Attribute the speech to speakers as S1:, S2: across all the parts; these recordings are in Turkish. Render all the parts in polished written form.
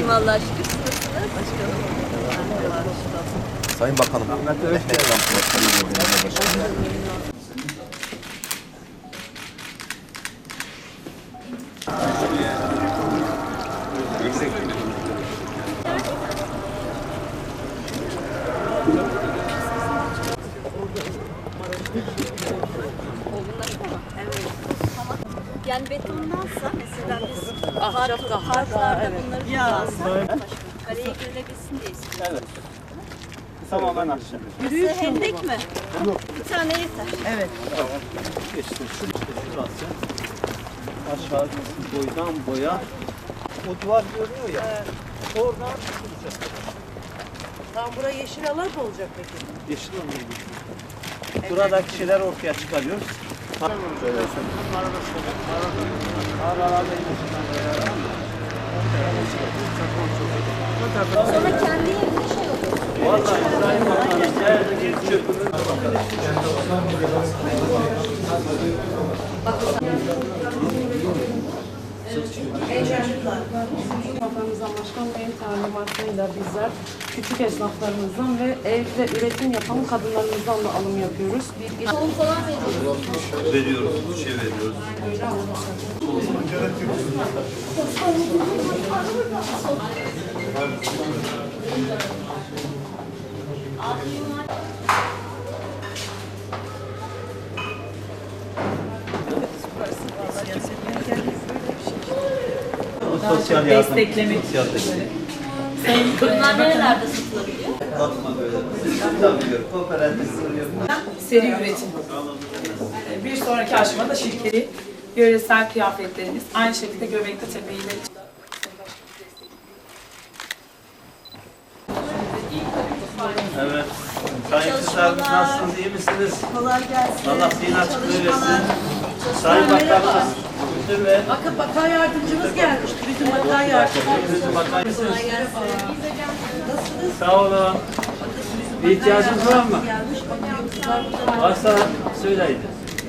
S1: İyiyim Allah'a şükür. Siz nasılsınız? Başkanım.
S2: Sayın Bakanım.
S1: Yani betondansa mesela biz harflarda bunları kullansak kareye gelebilsin diye istiyoruz.
S3: Evet. Tamamen aşağı.
S1: Yürüyüş hendek mi?
S3: Yok.
S1: Bir tane yeter.
S3: Evet. İşte şurası. Aşağı boydan boya. O duvar görünüyor ya. Evet. Oradan tutacak.
S4: Tam buraya yeşil alan mı olacak peki?
S3: Yeşil olmuyor. Buradaki şeyler ortaya çıkarıyoruz.
S1: Sonra kendi yerine şey olur.
S3: Vallahi İbrahim Bakan'ın nerede geçiyor?
S4: Bakanımızdan Başkan Bey'in talimatıyla bizler küçük esnaflarımızdan ve evde üretim yapan kadınlarımızdan da alım yapıyoruz.
S1: Tohum falan veriyoruz.
S2: Veriyoruz, şey veriyoruz.
S3: Sosyal yardım.
S5: Desteklemek
S3: Sosyal destek.
S1: Bunlar nerelerde satılabiliyor?
S3: Atma böyle. Tabii kooperatif oluyor.
S5: seri üretim. Bir sonraki aşamada şirketi yöresel kıyafetlerimiz aynı şekilde Göbekli Tepe ile
S3: Evet. Sayın kızlarımız nasılsınız? İyi misiniz?
S4: Kolay gelsin.
S3: Allah zihin açıklığı versin. Sayın Bakanımız. Müdür ve
S4: Bakın bakan yardımcımız gelmiş. Bizim bakan yardımcımız.
S3: Müdür Bakan mısınız? Sağ olun. Bir ihtiyacınız var mı?
S4: Gelmiş bakıyoruz.
S3: Varsa söyleyin.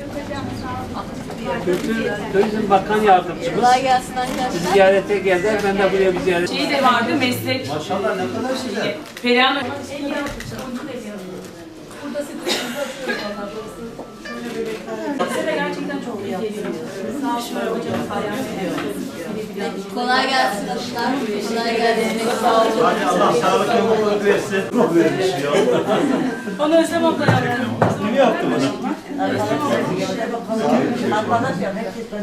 S3: Kültür Turizm Bakan Yardımcımız
S1: Kolay gelsin
S3: bizi
S1: arkadaşlar.
S3: ziyarete geldiler. Ben de buraya bir ziyaret.
S5: şey de vardı meslek.
S3: Maşallah ne kadar güzel.
S5: Perihan
S1: Kolay gelsin arkadaşlar. Kolay gelsin. Sağ olun.
S3: Hadi Allah sağlık ve mutluluk versin. Vermiş ya.
S5: onu Özlem abla yaptı.
S3: Kim yaptı bunu?